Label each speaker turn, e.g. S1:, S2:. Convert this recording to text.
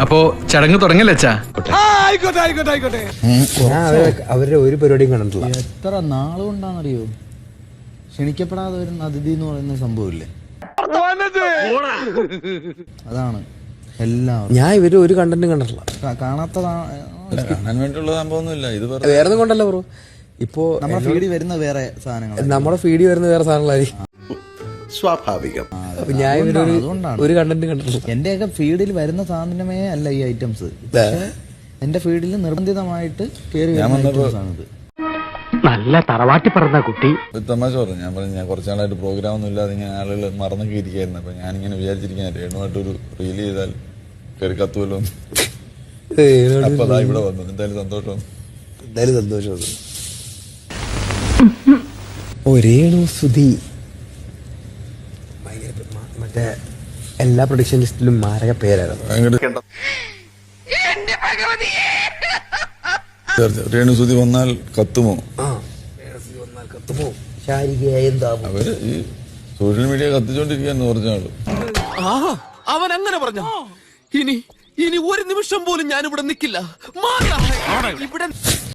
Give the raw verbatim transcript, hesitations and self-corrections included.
S1: അപ്പോ ചടങ്ങ് തുടങ്ങല്ലേ അച്ഛാ?
S2: അവരുടെ ഒരു പരിപാടിയും കണ്ടിട്ടില്ല.
S3: എത്ര നാളുകൊണ്ടാണെന്നറിയോ ക്ഷണിക്കപ്പെടാതെ വരുന്ന അതിഥി എന്ന് പറയുന്ന സംഭവമില്ലേ? അതാണ് എല്ലാവരും.
S2: ഞാൻ ഇവര് ഒരു കണ്ടന്റും കണ്ടിട്ടില്ല.
S4: കാണാൻ വേണ്ടിയുള്ള സംഭവമൊന്നുമില്ല. ഇത്
S2: വേറെ കൊണ്ടല്ല ബ്രോ. ഇപ്പോ
S3: നമ്മുടെ ഫീഡിൽ വരുന്ന വേറെ സാധനങ്ങൾ,
S2: നമ്മുടെ ഫീഡിൽ വരുന്ന വേറെ സാധനങ്ങളായിരിക്കും.
S4: സ്വാഭാവികം.
S2: ഞാൻ ഇവരൊരു ഒരു കണ്ടന്റും കണ്ടിട്ടില്ല.
S3: എന്റെയൊക്കെ ഫീഡിൽ വരുന്ന സാധനമേ അല്ല ഈ ഐറ്റംസ്. എന്റെ ഫീഡിൽ നിർബന്ധിതമായിട്ട് കയറി വരുന്ന ഐറ്റംസ് ആണിത്.
S5: നല്ല തറവാട്ടി പറഞ്ഞ കുട്ടി.
S4: തമാശ പറഞ്ഞു. ഞാൻ പറഞ്ഞു ഞാൻ കുറച്ച് നാളായിട്ട് പ്രോഗ്രാം ഒന്നും ഇല്ലാതെ ഇങ്ങനെ ആളുകൾ മറന്നൊക്കെ ഇരിക്കായിരുന്നു. അപ്പൊ ഞാനിങ്ങനെ വിചാരിച്ചിരിക്കാൻ രേണുമായിട്ടൊരു റീൽ ചെയ്താൽ കയറി കത്തുമല്ലോ. അപ്പൊ അതാ ഇവിടെ വന്നു. എന്തായാലും സന്തോഷം,
S2: എന്തായാലും സന്തോഷം. ഓ രേണു സുധി മറ്റേ എല്ലാ പ്രൊഡക്ഷൻ ലിസ്റ്റിലും മാരക പേരായിരുന്നു.
S4: രേണു സുധി വന്നാൽ കത്തുമോ? അവര് ഈ സോഷ്യൽ മീഡിയ കത്തിച്ചോണ്ടിരിക്കാന്ന് പറഞ്ഞാള്.
S6: അവൻ അങ്ങനെ പറഞ്ഞു. ഇനി ഇനി ഒരു നിമിഷം പോലും ഞാൻ ഇവിടെ നിൽക്കില്ല.